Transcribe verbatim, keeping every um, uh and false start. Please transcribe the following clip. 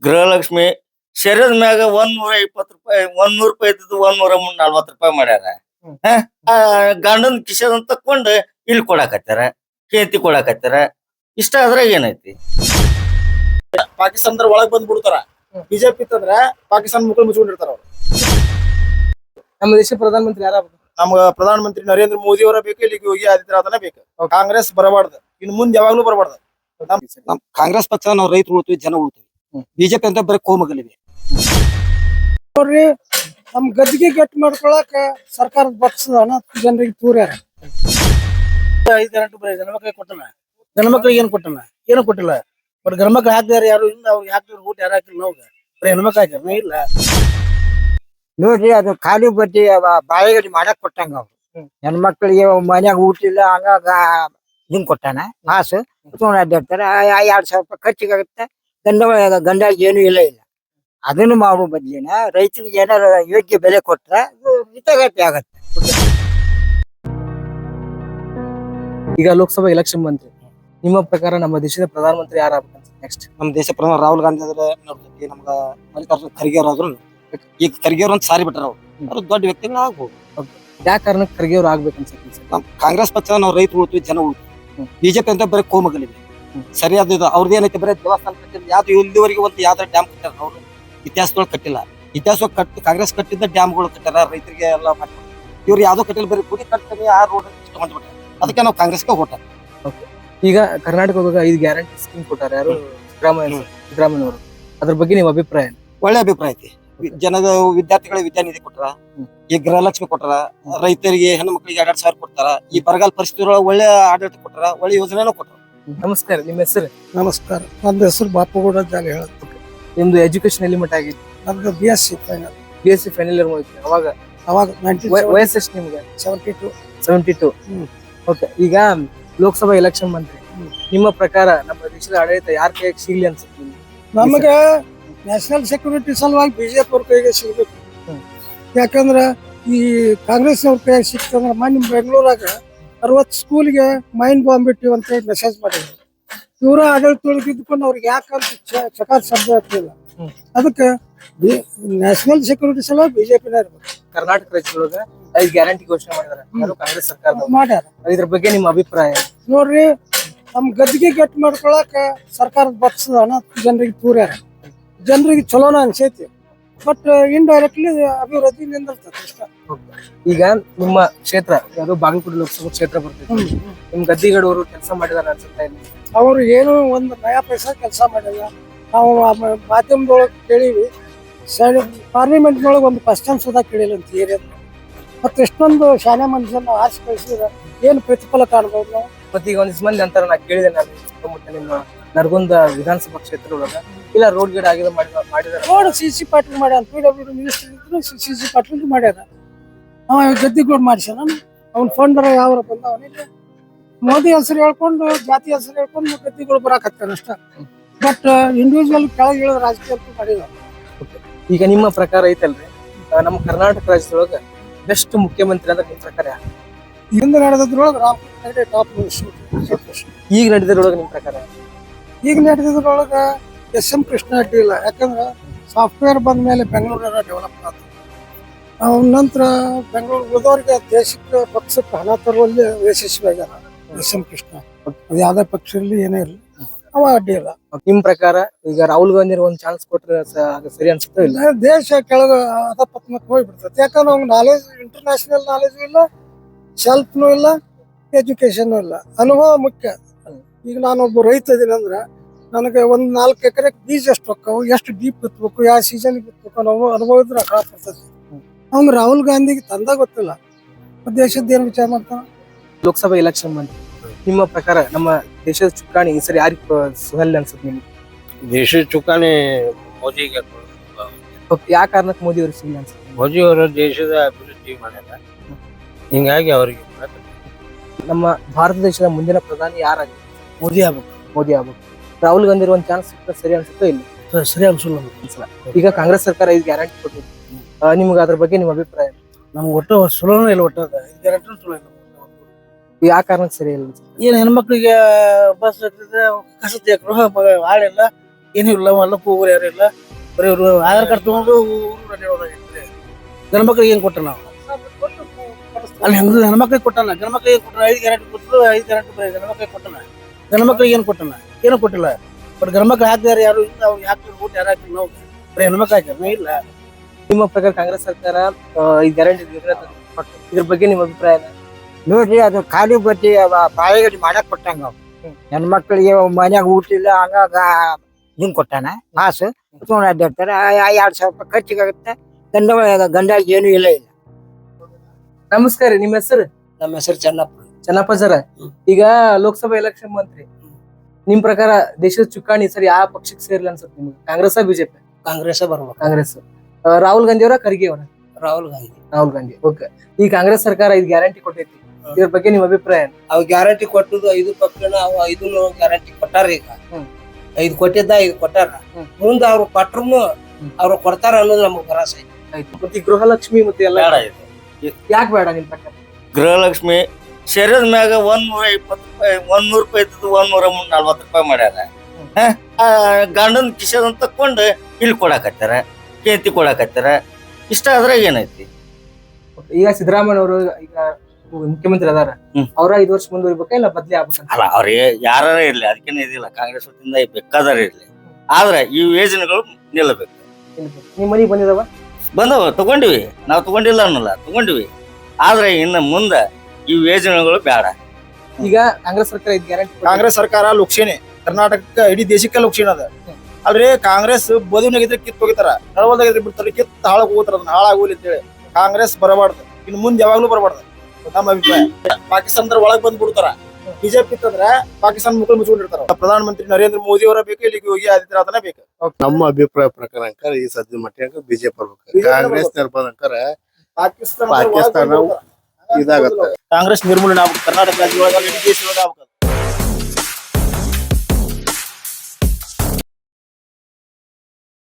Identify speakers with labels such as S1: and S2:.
S1: ಗೃಹಲಕ್ಷ್ಮಿ ಶರೀರದ ಮ್ಯಾಗ ಒಂದ್ ನೂರ ಇಪ್ಪತ್ತು ರೂಪಾಯಿ ಒಂದ್ ನೂರ್ ರೂಪಾಯಿ ಇದ್ದು ಒಂದ್ ನೂರ ನಲ್ವತ್ ರೂಪಾಯಿ ಮಾಡ್ಯಾರ. ಆ ಗಂಡನ್ ಕಿಶನ್ ತಕೊಂಡ್ ಇಲ್ಲಿ ಕೊಡಾಕತ್ತಾರ, ಕೇಂತಿ ಕೊಡಾಕತ್ತಾರ. ಇಷ್ಟ ಅದ್ರಾಗ ಏನೈತಿ?
S2: ಪಾಕಿಸ್ತಾನದ ಒಳಗ್ ಬಂದ್ ಬಿಡ್ತಾರ. ಬಿಜೆಪಿ ಇತ್ತಂದ್ರ ಪಾಕಿಸ್ತಾನ ಮುಖ ಮುಚ್ಕೊಂಡಿರ್ತಾರ ಅವ್ರು.
S3: ನಮ್ಮ ದೇಶ ಪ್ರಧಾನ ಮಂತ್ರಿ ಯಾರ?
S2: ನಮ್ಗ ಪ್ರಧಾನ ಮಂತ್ರಿ ನರೇಂದ್ರ ಮೋದಿ ಅವರ ಬೇಕು, ಇಲ್ಲಿ ಯೋಗಿ ಆದಿತ್ಯನಾಥನ ಬೇಕು. ಕಾಂಗ್ರೆಸ್ ಬರಬಾರ್ದು, ಇನ್ ಮುಂದ್ ಯಾವಾಗ್ಲೂ ಬರಬಾರ್ದು.
S4: ನಮ್ ಕಾಂಗ್ರೆಸ್ ಪಕ್ಷ ನಾವು ರೈತರು ಉಳ್ತೀವಿ, ಜನ ಉಳ್ತೀವಿ. ಬಿಜೆಪಿ ಅಂತ ಬರೀ ಕೋಮಗಲಿವೆ.
S5: ನೋಡ್ರಿ, ನಮ್ ಗದ್ದಿಗೆ ಗಟ್ಟಿ ಮಾಡ್ಕೊಳಕ ಸರ್ಕಾರದ ಪಕ್ಷದ ಹಣ ಜನರಿಗೆ ತೂರ್ಯಾರ.
S3: ಐದು ಗಂಟೆ ಬರೀ ಗಣಮಕ್ಳಿಗೆ ಕೊಟ್ಟನ, ಗಣಮಕ್ಳಿಗೆ ಏನ್ ಕೊಟ್ಟನ? ಏನು ಕೊಟ್ಟಿಲ್ಲ. ಬಟ್ ಗಣಮಕ್ಳು ಹಾಕಿದಾರ ಯಾರು ಇಲ್ಲ, ಅವ್ರಿಗೆ ಹಾಕಿದ್ರು ಊಟ ಯಾರು ಹಾಕಿಲ್ಲ. ನಾವು ಬರೀ ಹೆಣ್ಮಕ್ಳು ಹಾಕ್ಯಾರ ಇಲ್ಲ.
S6: ನೋಡ್ರಿ, ಅದು ಖಾಲಿ ಬಡ್ಡಿ ಬಾಳೆಗಡಿ ಮಾಡಕ್ ಕೊಟ್ಟಂಗ ಅವ್ರು. ಹೆಣ್ಮಕ್ಳಿಗೆ ಮನ್ಯಾಗ ಊಟ ಇಲ್ಲ, ಹಂಗಾಗ ಹಿಂಗ್ ಕೊಟ್ಟಾನ ಮಾಸು ತಗೊಂಡ್ ಅಡ್ಡಾಡ್ತಾರ. ಎರಡ್ ಸಾವಿರ ರೂಪಾಯಿ ಖರ್ಚಿಗಾಗುತ್ತೆ. ಗಂಡ ಗಂಡ ಏನು ಇಲ್ಲ ಇಲ್ಲ ಅದನ್ನು ಮಾಡೋ ಬದ್ಲಿನ ರೈತರಿಗೆ ಏನಾರ ಯೋಗ್ಯ ಬೆಲೆ ಕೊಟ್ರ ಹಿತಗತಿ ಆಗತ್ತೆ.
S3: ಈಗ ಲೋಕಸಭಾ ಎಲೆಕ್ಷನ್ ಬಂತು, ನಿಮ್ಮ ಪ್ರಕಾರ ನಮ್ಮ ದೇಶದ ಪ್ರಧಾನ ಮಂತ್ರಿ ಯಾರು ಆಗ್ಬೇಕಂತ? ನೆಕ್ಸ್ಟ್
S4: ನಮ್ ದೇಶ ಪ್ರಧಾನ ರಾಹುಲ್ ಗಾಂಧಿ ಆದ್ರೆ ನೋಡ್ತೀವಿ. ನಮ್ಗ ಮಲ್ಲಿಕಾರ್ಜುನ ಖರ್ಗೆ ಅವ್ರು ಆದ್ರು ಈಗ ಖರ್ಗೆ ಅವ್ರ ಅಂತ ಸಾರಿ ಬಿಟ್ಟಾರ. ಅವ್ರು ಅವ್ರು ದೊಡ್ಡ ವ್ಯಕ್ತಿಗಳು ಆಗ್ಬೋದು.
S3: ಯಾವ ಕಾರಣಕ್ಕೆ ಖರ್ಗೆ ಅವ್ರು ಆಗ್ಬೇಕಂತ?
S4: ನಮ್ ಕಾಂಗ್ರೆಸ್ ಪಕ್ಷ ನಾವು ರೈತರು ಉಳ್ತೀವಿ, ಜನ ಉಳ್ತೀವಿ. ಬಿಜೆಪಿ ಅಂತ ಬರೀ ಕೋಮಗಲಿವೆ. ಸರಿಯಾದ ಇದು ಅವ್ರದ್ದು ಏನೈತೆ, ಬರೀ ದೇವಸ್ಥಾನ ಕಟ್ಟಿಲ್ಲ. ಯಾವ್ದು ಇಲ್ಲಿವರೆಗೆ ಒಂದು ಯಾವ್ದಾರ ಡ್ಯಾಮ್ ಕಟ್ಟಾರ ಅವ್ರು ಇತಿಹಾಸದೊಳಗೆ ಕಟ್ಟಿಲ್ಲ. ಇತಿಹಾಸ ಕಟ್ಟಿ ಕಾಂಗ್ರೆಸ್ ಕಟ್ಟಿದ್ದ ಡ್ಯಾಮ್ಗಳು ಕಟ್ಟಾರ, ರೈತರಿಗೆ ಎಲ್ಲ ಮಾಡಿ. ಇವ್ರು ಯಾವ್ದೋ ಕಟ್ಟಿಲ್ಲ, ಬರೀ ಗುಡಿ ಕಟ್ತೀನಿ ಆ ರೋಡ್ ಇಷ್ಟ ಮಾಡ್ಬಿಟ್ಟಾರೆ. ಅದಕ್ಕೆ ನಾವು ಕಾಂಗ್ರೆಸ್ಗೆ ಓಟ.
S3: ಈಗ ಕರ್ನಾಟಕದಾಗ ಐದು ಗ್ಯಾರಂಟಿ ಸ್ಕೀಮ್ ಕೊಟ್ಟಾರ ಯಾರು? ಸಿದ್ದರಾಮಯ್ಯ ಸಿದ್ದರಾಮಯ್ಯ ಅವರು. ಅದ್ರ ಬಗ್ಗೆ ನಿಮ್ಮ ಅಭಿಪ್ರಾಯ?
S4: ಒಳ್ಳೆ ಅಭಿಪ್ರಾಯ ಐತಿ. ಜನದ ವಿದ್ಯಾರ್ಥಿಗಳ ವಿದ್ಯಾನಿಧಿ ಕೊಟ್ಟಾರ, ಈ ಗೃಹಲಕ್ಷ್ಮಿ ಕೊಟ್ಟಾರ, ರೈತರಿಗೆ ಹೆಣ್ಣು ಮಕ್ಕಳಿಗೆ ಎರಡ್ ಸಾವಿರ ಕೊಡ್ತಾರ. ಈ ಬರಗಾಲ ಪರಿಸ್ಥಿತಿ ಒಳ್ಳೆ ಆಡಳಿತ ಕೊಟ್ಟಾರ, ಒಳ್ಳೆ ಯೋಜನೆನೂ ಕೊಟ್ಟಾರ.
S3: ನಮಸ್ಕಾರ, ನಿಮ್ಮ ಹೆಸರು?
S5: ನಮಸ್ಕಾರ, ನನ್ನ ಹೆಸರು ಬಾಪುಗೌಡ ಜಾಲಿ ಹೇಳುತ್ತೆ.
S3: ನಿಮ್ದು ಎಜುಕೇಶನ್ ಎಲ್ಲಿ ಮಟ್ಟ ಆಗಿತ್ತು?
S5: ನಮ್ದು B S C final.
S3: B S C final year ಮುಗಿತು. ಅವಾಗ
S5: ಅವಾಗ
S3: ವಯಸ್ಸು ಎಷ್ಟು ನಿಮ್ಗೆ?
S5: Seventy two
S3: seventy two okay. ಈಗ ಲೋಕಸಭಾ ಎಲೆಕ್ಷನ್ ಬಂದ್ರಿ, ನಿಮ್ಮ ಪ್ರಕಾರ ನಮ್ಮ ದೇಶದ ಆಡಳಿತ ಯಾರ ಕೈಗೆ ಸಿಗ್ಲಿ ಅನ್ಸುತ್ತೆ?
S5: ನಮಗೆ ನ್ಯಾಷನಲ್ ಸೆಕ್ಯೂರಿಟಿ ಸಲುವಾಗಿ ಬಿಜೆಪಿ ಅವ್ರ ಕೈಗೆ ಸಿಗ್ಬೇಕು. ಯಾಕಂದ್ರ ಈ ಕಾಂಗ್ರೆಸ್ ಅವ್ರ ಕೈಗೆ ಸಿಕ್ತಂದ್ರ ಮೊನ್ನೆ ಬೆಂಗಳೂರಾಗ ಅರವತ್ತು ಸ್ಕೂಲ್ಗೆ ಮೈನ್ ಬಾಂಬ್ ಇಟ್ಟಿವಿ ಅಂತ ಹೇಳಿ ಮೆಸೇಜ್ ಮಾಡಿದ್ರು. ಇವರ ಆಡಳಿತದೊಳಗೆ ಇದ್ಕೊಂಡು ಅವ್ರಿಗೆ ಯಾಕಂತ ಚಕಾರ ಶಬ್ದ ಆಗ್ತಿಲ್ಲ. ಅದಕ್ಕೆ ನ್ಯಾಷನಲ್ ಸೆಕ್ಯೂರಿಟಿ ಸಲುವಾಗಿ ಬಿಜೆಪಿನ ಇರ್ಬೇಕು.
S3: ಕರ್ನಾಟಕ ರಾಜ್ಯದೊಳಗ ಐದು ಗ್ಯಾರಂಟಿ ಘೋಷಣೆ ಮಾಡಿದಾರೆ ಯಾರು? ಕಾಂಗ್ರೆಸ್ ಸರ್ಕಾರ
S5: ಮಾಡ್ಯಾರ.
S3: ಇದ್ರ ಬಗ್ಗೆ ನಿಮ್ಮ ಅಭಿಪ್ರಾಯ?
S5: ನೋಡ್ರಿ, ನಮ್ ಗದ್ದಿಗೆ ಗಟ್ಟಿ ಮಾಡ್ಕೊಳಕ ಸರ್ಕಾರದ ಪಕ್ಷದ ಹಣ ಜನರಿಗೆ ತೂರ್ಯಾರ. ಜನರಿಗೆ ಚಲೋನ ಅನ್ಸೈತಿ, ಬಟ್ ಇಂಡೈರೆಕ್ಟ್ಲಿ ಅಭಿವೃದ್ಧಿ ನಿಂದಿರ್ತದೆ ಇಷ್ಟ.
S3: ಈಗ ನಿಮ್ಮ ಕ್ಷೇತ್ರ ಯಾವುದು? ಬಾಗಲಕೋಟೆ ಲೋಕಸಭಾ ಕ್ಷೇತ್ರ ಬರ್ತೈತಿ. ನಿಮ್ ಗದ್ದಿಗಡವರು ಕೆಲಸ ಮಾಡಿದಾರೆ ಅನ್ಸುತ್ತಾ? ಇಲ್ಲಿ
S5: ಅವರು ಏನು ಒಂದು ನಯಾ ಪೈಸಾ ಕೆಲಸ ಮಾಡಿಲ್ಲ. ನಾವು ಮಾಧ್ಯಮದೊಳಗೆ ಕೇಳಿವಿ, ಪಾರ್ಲಿಮೆಂಟ್ನೊಳಗೆ ಒಂದು ಕ್ವಶನ್ ಸುಧಾ ಕೇಳಿಲ್ಲ ಅಂತ ಏರಿಯಾ. ಮತ್ತೆ ಎಷ್ಟೊಂದು ಶಾಲೆ ಮನುಷ್ಯನ ಆರ್ಸಿ ಕಳಿಸಿದ್ರೆ ಏನು ಪ್ರತಿಫಲ ಕಾಣ್ಬೋದು ನಾವು?
S3: ಮತ್ತೆ ಈಗ ಒಂದಿಷ್ಟು ಮಂದಿ ಅಂತಾರ, ನಾ ಕೇಳಿದೆ ನಾನು ಸುತ್ತಮುತ್ತ ನಿಮ್ಮ ನರಗುಂದ ವಿಧಾನಸಭಾ ಕ್ಷೇತ್ರ ಒಳಗ ಇಲ್ಲ ರೋಡ್ ಗಿಡ ಆಗಿದೆ ಮಾಡಿದಾರೆ.
S5: ರೋಡ್ ಸಿ ಸಿ ಪಾಟೀಲ್ ಮಾಡ್ಯಾರ, ಪಿ ಡಬ್ಲ್ಯೂ ಮಿನಿಸ್ಟರ್ ಇದ್ರು ಸಿ ಸಿ ಪಾಟೀಲ್ ಮಾಡ್ಯಾರ. ಅವ ಗದ್ದಿಗೋಡ್ ಮಾಡ್ಸ್ಯಾನ. ಅವ್ನ ಫಂಡರ ಯಾವ ಬಂದವನಿಲ್ಲ. ಮೋದಿ ಹೆಸರು ಹೇಳ್ಕೊಂಡು ಜಾತಿ ಹೆಸರು ಹೇಳ್ಕೊಂಡು ಗದ್ದಿಗಳು ಬರಾಕತ್ತಾನ ಅಷ್ಟ. ಬಟ್ ಇಂಡಿವಿಜುವಲ್ ಕೆಳಗೆ ಇಳಿದ ರಾಜಕೀಯ ಮಾಡಿದ.
S3: ಈಗ ನಿಮ್ಮ ಪ್ರಕಾರ ಐತಲ್ರಿ, ನಮ್ಮ ಕರ್ನಾಟಕ ರಾಜ್ಯದೊಳಗ ಬೆಸ್ಟ್ ಮುಖ್ಯಮಂತ್ರಿ ಅಂದ್ರೆ ನಿಮ್ ಪ್ರಕಾರ ಯಾರು?
S5: ಹಿಂದೆ ನಡೆದ್ರೊಳಗೆ ರಾಮ್ ಟಾಪ್.
S3: ಈಗ ನಡೆದಿರೊಳಗ ನಿಮ್ ಪ್ರಕಾರ?
S5: ಈಗ ನಡೆದಿದ್ರೊಳಗ ಎಸ್ ಎಂ ಕೃಷ್ಣ ಅಡ್ಡಿ ಇಲ್ಲ. ಯಾಕಂದ್ರೆ ಸಾಫ್ಟ್ವೇರ್ ಬಂದ ಮೇಲೆ ಬೆಂಗಳೂರಾಗ ಡೆವಲಪ್ ಆಯ್ತು. ಅವನ ನಂತರ ಬೆಂಗಳೂರು ಉಳಿದವ್ರಿಗೆ ದೇಶಕ್ಕೆ ಪಕ್ಷಕ್ಕೆ ಹಣ ತರುವಲ್ಲಿ ಯಶಸ್ವಿ ಆಗ್ಯಾರ ಎಸ್ ಎಂ ಕೃಷ್ಣ. ಅದು ಯಾವ್ದೇ ಪಕ್ಷ ಇರಲಿ ಏನೇ ಇರಲಿ ಅವ ಅಡ್ಡಿ ಇಲ್ಲ.
S3: ನಿಮ್ ಪ್ರಕಾರ ಈಗ ರಾಹುಲ್ ಗಾಂಧಿ ಒಂದ್ ಚಾನ್ಸ್ ಕೊಟ್ರೆ ಸರಿ ಅನ್ಸುತ್ತೋ ಇಲ್ಲ?
S5: ದೇಶ ಕೆಳಗ ಅಧಪತನಕ್ಕೆ ಹೋಗ್ಬಿಡ್ತೈತೆ. ಯಾಕಂದ್ರೆ ಅವ್ನ ನಾಲೆಜ್, ಇಂಟರ್ನ್ಯಾಷನಲ್ ನಾಲೆಜು ಇಲ್ಲ, ಸೆಲ್ಫ್ನು ಇಲ್ಲ, ಎಜುಕೇಶನ್ ಇಲ್ಲ. ಅನುಭವ ಮುಖ್ಯ. ಈಗ ನಾನೊಬ್ಬ ರೈತ ಇದೀನಿ ಅಂದ್ರೆ ನನಗೆ ಒಂದ್ ನಾಲ್ಕು ಎಕರೆ ಬೀಜ ಎಷ್ಟು ಹೋಗ್ತಾವು, ಎಷ್ಟು ಡೀಪ್ ಬಿತ್ಬೇಕು, ಯಾವ ಸೀಸನ್ ಬಿತ್ಬೇಕು ನಾವು ಅನುಭವ ಇದ್ರೆ ಅಕಾಳ ಬರ್ತೈತಿ. ಅವ್ನು ರಾಹುಲ್ ಗಾಂಧಿಗೆ ತಂದ ಗೊತ್ತಿಲ್ಲ, ದೇಶದ ಏನ್ ವಿಚಾರ ಮಾಡ್ತಾನ?
S3: ಲೋಕಸಭಾ ಎಲೆಕ್ಷನ್ ಬಂತು, ನಿಮ್ಮ ಪ್ರಕಾರ ನಮ್ಮ ದೇಶದ ಚುಕ್ಕಾಣಿ ಈ ಸರಿ ಯಾರಿಗೆ ಸುಹಲ್ ಅನ್ಸುತ್ತೆ ನಿಮ್ಗೆ?
S1: ದೇಶದ ಚುಕ್ಕಾಣಿ ಮೋದಿಗೆ.
S3: ಯಾವ ಕಾರಣಕ್ಕೆ ಮೋದಿ ಅವ್ರಿಗೆ ಸಿಗಲ್ಲ ಅನ್ಸುತ್ತೆ?
S1: ಮೋದಿ ಅವರು ದೇಶದ ಅಭಿವೃದ್ಧಿ ಮಾಡ್ಯಾರ, ಹಿಂಗಾಗಿ ಅವ್ರಿಗೆ
S3: ನಮ್ಮ ಭಾರತ ದೇಶದ ಮುಂದಿನ ಪ್ರಧಾನಿ ಯಾರಾಗಿ?
S5: ಮೋದಿ ಆಗ್ಬೇಕು.
S3: ಮೋದಿ ಆಗ್ಬೇಕು. ರಾಹುಲ್ ಗಾಂಧಿ ಒಂದ್ ಚಾನ್ಸ್ ಸಿಕ್ಕರೆ ಸರಿ ಅನ್ಸುತ್ತೋ ಇಲ್ಲ?
S5: ಸರಿ ಅನ್ಸಲ್ಲ ಅನ್ಸಲ್ಲ.
S3: ಈಗ ಕಾಂಗ್ರೆಸ್ ಸರ್ಕಾರ ಐದು ಗ್ಯಾರಂಟಿ ಕೊಟ್ಟಿದೆ, ನಿಮ್ಗೆ ಅದ್ರ ಬಗ್ಗೆ ನಿಮ್ಮ ಅಭಿಪ್ರಾಯ?
S5: ನಮ್ಗೆ ಒಟ್ಟು ಸುಲಭ ಇಲ್ಲ. ಒಟ್ಟು ಗ್ಯಾರಂಟಿ ಸುಲಭ ಇಲ್ಲ.
S3: ಯಾವ ಕಾರಣಕ್ಕೆ ಸರಿ ಇಲ್ಲ?
S5: ಏನ್ ಹೆಣ್ಮಕ್ಳಿಗೆ ಬಸ್ ಕಸತಿ ಗೃಹ ಹಾಳೆಲ್ಲ
S3: ಏನೂ ಇಲ್ಲ ಹೊಲಕ್ಕೆ ಹೋಗೋರು ಯಾರು ಇಲ್ಲ ಬರೀ ಇವ್ರು ಆಧಾರ್ ಕಾರ್ಡ್ ತಗೊಂಡು ಊರು ಅಡ್ಡಾಡೋದಾಗೈತೆ ಗಂಡ್ಮಕ್ಳಿಗೆ ಏನ್ ಕೊಟ್ಟ ನಾವು ಅಲ್ಲಿ ಹೆಂಗ್ ಹೆಣ್ಮಕ್ಳಿಗೆ ಕೊಟ್ಟನ ಗಂಡ್ಮಕ್ಳಿಗೆ ಏನ್ ಕೊಟ್ಟನ ಐದು ಗ್ಯಾರಂಟಿ ಕೊಟ್ಟರು ಐದು ಗ್ಯಾರಂಟಿ ಬರೀ ಗಂಡ್ಮಕ್ಳಿಗೆ ಕೊಟ್ಟನ ಗಂಡ್ಮಕ್ಳಿಗೆ ಏನ್ ಕೊಟ್ಟನ ಏನೂ ಕೊಟ್ಟಿಲ್ಲ ಬಟ್ ಗಂಡ್ಮಕ್ಳು ಹಾಕಿದಾರೆ ಯಾರು ಇಲ್ಲ ಅವ್ರಿಗೆ ಹಾಕಿದ್ರು ಊಟ ಯಾರು ಹಾಕಿಲ್ಲ ನಾವು ಬರೀ ಹೆಣ್ಮಕ್ಳು ಹಾಕ್ಯಾರ ಇಲ್ಲ.
S7: ನಿಮ್ಮ ಪ್ರಕಾರ ಕಾಂಗ್ರೆಸ್ ಸರ್ಕಾರ ಈ ಗ್ಯಾರಂಟಿ ಇದ್ರ ಬಗ್ಗೆ ನಿಮ್ಮ ಅಭಿಪ್ರಾಯ ಏನು?
S6: ನೋಡ್ರಿ ಅದು ಖಾಲಿ ಬಡ್ಡಿ ಬಾಳೆಗಡಿ ಮಾಡಕ್ ಕೊಟ್ಟಂಗ ಅವ್ ಹೆಣ್ಮಕ್ಳಿಗೆ ಮನ್ಯಾಗ ಊಟ ಇಲ್ಲ ಹಂಗಾಗ ಇದನ್ ಕೊಟ್ಟಾನ ಕಾಸು ತಗೊಂಡ್ ಅಡ್ಡಾಡ್ತಾರ ಆ ಎರಡ್ ಸಾವಿರ ರೂಪಾಯಿ ಖರ್ಚಿಗಾಗುತ್ತೆ ಗಂಡ ಗಂಡ ಏನು ಇಲ್ಲ ಇಲ್ಲ.
S7: ನಮಸ್ಕಾರ ನಿಮ್ಮ ಹೆಸರು?
S3: ನಮ್ಮ ಹೆಸರು ಚೆನ್ನಪ್ಪ.
S7: ಚೆನ್ನಪ್ಪ ಸರ, ಈಗ ಲೋಕಸಭಾ ಎಲೆಕ್ಷನ್ ಮಂತ್ರಿ ನಿಮ್ ಪ್ರಕಾರ ದೇಶದ ಚುಕ್ಕಾಣಿ ಸರಿ ಯಾವ ಪಕ್ಷಕ್ಕೆ ಸೇರ್ಲಿ ಅನ್ಸುತ್ತೆ ನಿಮ್ಗೆ? ಕಾಂಗ್ರೆಸ್ ಬಿಜೆಪಿ?
S3: ಕಾಂಗ್ರೆಸ್ ಬರ್ಬೇಕು.
S7: ಕಾಂಗ್ರೆಸ್. ಆ, ರಾಹುಲ್ ಗಾಂಧಿ ಅವರ ಖರ್ಗೆ ಅವರ?
S3: ರಾಹುಲ್ ಗಾಂಧಿ.
S7: ರಾಹುಲ್ ಗಾಂಧಿ. ಓಕೆ. ಈ ಕಾಂಗ್ರೆಸ್ ಸರ್ಕಾರ ಇದು ಗ್ಯಾರಂಟಿ ಕೊಟ್ಟೈತಿ, ಇದ್ರ ಬಗ್ಗೆ ನಿಮ್ ಅಭಿಪ್ರಾಯ ಏನು?
S8: ಅವ್ ಗ್ಯಾರಂಟಿ ಕೊಟ್ಟದ್ದು ಐದು ಪಕ್ಷನ ಅವ ಐದು ಗ್ಯಾರಂಟಿ ಕೊಟ್ಟಾರ. ಈಗ ಐದು ಕೊಟ್ಟಿದ್ದ ಐದು ಕೊಟ್ಟಾರ. ಮುಂದ ಅವ್ರು ಕೊಟ್ರು ಅವ್ರು ಕೊಡ್ತಾರ ಅನ್ನೋದು ನಮಗ್ ಭರವಸೆ ಐತಿ.
S7: ಆಯ್ತು. ಮತ್ತೆ ಈ ಗೃಹಲಕ್ಷ್ಮಿ ಮತ್ತೆ ಎಲ್ಲ
S1: ಬೇಡ ಇದು.
S7: ಯಾಕೆ ಬೇಡ ನಿಮ್ ಪ್ರಕಾರ?
S1: ಗೃಹಲಕ್ಷ್ಮಿ ಶರೀರದ ಮ್ಯಾಗ ಒಂದ್ ನೂರ ಇಪ್ಪತ್ತು ರೂಪಾಯಿ ಒಂದ್ ನೂರ್ ರೂಪಾಯಿ ಇದ್ದದ್ದು ಒಂದ್ ನೂರ ನಲ್ವತ್ತು ರೂಪಾಯಿ ಮಾಡ್ಯಾರ. ಗಂಡನ್ ಕಿಶನ್ ತಕೊಂಡ್ ಇಲ್ಲಿ ಕೊಡಾಕತ್ತಾರ, ಕೇಂತಿ ಕೊಡಾಕತ್ತಾರ. ಇಷ್ಟ ಆದ್ರೆ ಏನೈತಿ?
S7: ಈಗ ಸಿದ್ದರಾಮಯ್ಯ ಅವರು ಈಗ ಮುಖ್ಯಮಂತ್ರಿ ಅದಾರ, ಅವ್ರ ಐದು ವರ್ಷ ಮುಂದುವರಿಬೇಕಾ ಇಲ್ಲ ಬದ್ಲಿ ಆಗ್ಬೇಕಂತ?
S1: ಅಲ್ಲ, ಅವ್ರಿಗೆ ಯಾರ ಇರ್ಲಿ, ಅದಕ್ಕೇನೆ ಇದಿಲ್ಲ. ಕಾಂಗ್ರೆಸ್ ವತಿಯಿಂದ ಬೇಕಾದಾರ ಇರ್ಲಿ, ಆದ್ರೆ ಈ ಯೋಜನೆಗಳು ನಿಲ್ಲಬೇಕು.
S7: ನಿಮ್ ಮನಿಗ್ ಬಂದಿದಾವ?
S1: ಬಂದವ, ತಗೊಂಡಿವಿ. ನಾವ್ ತಗೊಂಡಿಲ್ಲ ಅನ್ನಲ್ಲ, ತಗೊಂಡಿವಿ. ಆದ್ರೆ ಇನ್ನು ಮುಂದ ಈ ಯೋಜನೆಗಳು ಬೇಡ.
S7: ಈಗ ಕಾಂಗ್ರೆಸ್ ಸರ್ಕಾರ ಇದು ಗ್ಯಾರಂಟಿ
S2: ಕಾಂಗ್ರೆಸ್ ಸರ್ಕಾರ ಲುಕ್ಷೇನೆ ಕರ್ನಾಟಕಕ್ಕ ಇಡೀ ದೇಶಕ್ಕೆ ಲುಕ್ಷೇನ ಅದ. ಅಲ್ರಿ ಕಾಂಗ್ರೆಸ್ ಬೋದಿನಾಗಿದ್ರೆ ಕಿತ್ ಹೋಗಿತಾರ, ನಳವಲ್ದಾಗಿದ್ರೆ ಬಿಡ್ತಾರ, ಕಿತ್ ಹಾಳಾಗ್ ಹೋಗ್ತಾರ. ಅದನ್ನ ಹಾಳಾಗೋಲಿ ಅಂತೇಳಿ ಕಾಂಗ್ರೆಸ್ ಬರಬಾರ್ದು, ಇನ್ನು ಮುಂದೆ ಯಾವಾಗ್ಲೂ ಬರಬಾರ್ದು ನಮ್ಮ ಅಭಿಪ್ರಾಯ. ಪಾಕಿಸ್ತಾನದ ಒಳಗ್ ಬಂದ್ ಬಿಡ್ತಾರ. ಬಿಜೆಪಿ ಇತ್ತಂದ್ರ ಪಾಕಿಸ್ತಾನ ಮುಖ ಮುಚ್ಕೊಂಡಿರ್ತಾರ. ಪ್ರಧಾನ ಮಂತ್ರಿ ನರೇಂದ್ರ ಮೋದಿ ಅವರ ಬೇಕು, ಇಲ್ಲಿಗೆ ಯೋಗಿ ಆದಿತ್ಯನಾಥನ ಬೇಕು.
S9: ನಮ್ಮ ಅಭಿಪ್ರಾಯ ಪ್ರಕಾರ ಈ ಸದ್ಯ ಮಟ್ಟಿಗೆ ಬಿಜೆಪಿ ಬರ್ಬೇಕು. ಕಾಂಗ್ರೆಸ್ ನಿರ್ಬಂಧಕರ
S2: ಪಾಕಿಸ್ತಾನ
S9: ಪಾಕಿಸ್ತಾನ ಇದಾಗತ್ತೆ.
S2: ಕಾಂಗ್ರೆಸ್ ನಿರ್ಮೂಲನೆ ಆಗ್ಬೇಕು, ಕರ್ನಾಟಕ ರಾಜ್ಯ ಒಳಗ ಇಡೀ ದೇಶ ಒಳಗ ಆಗ್ಬೇಕು.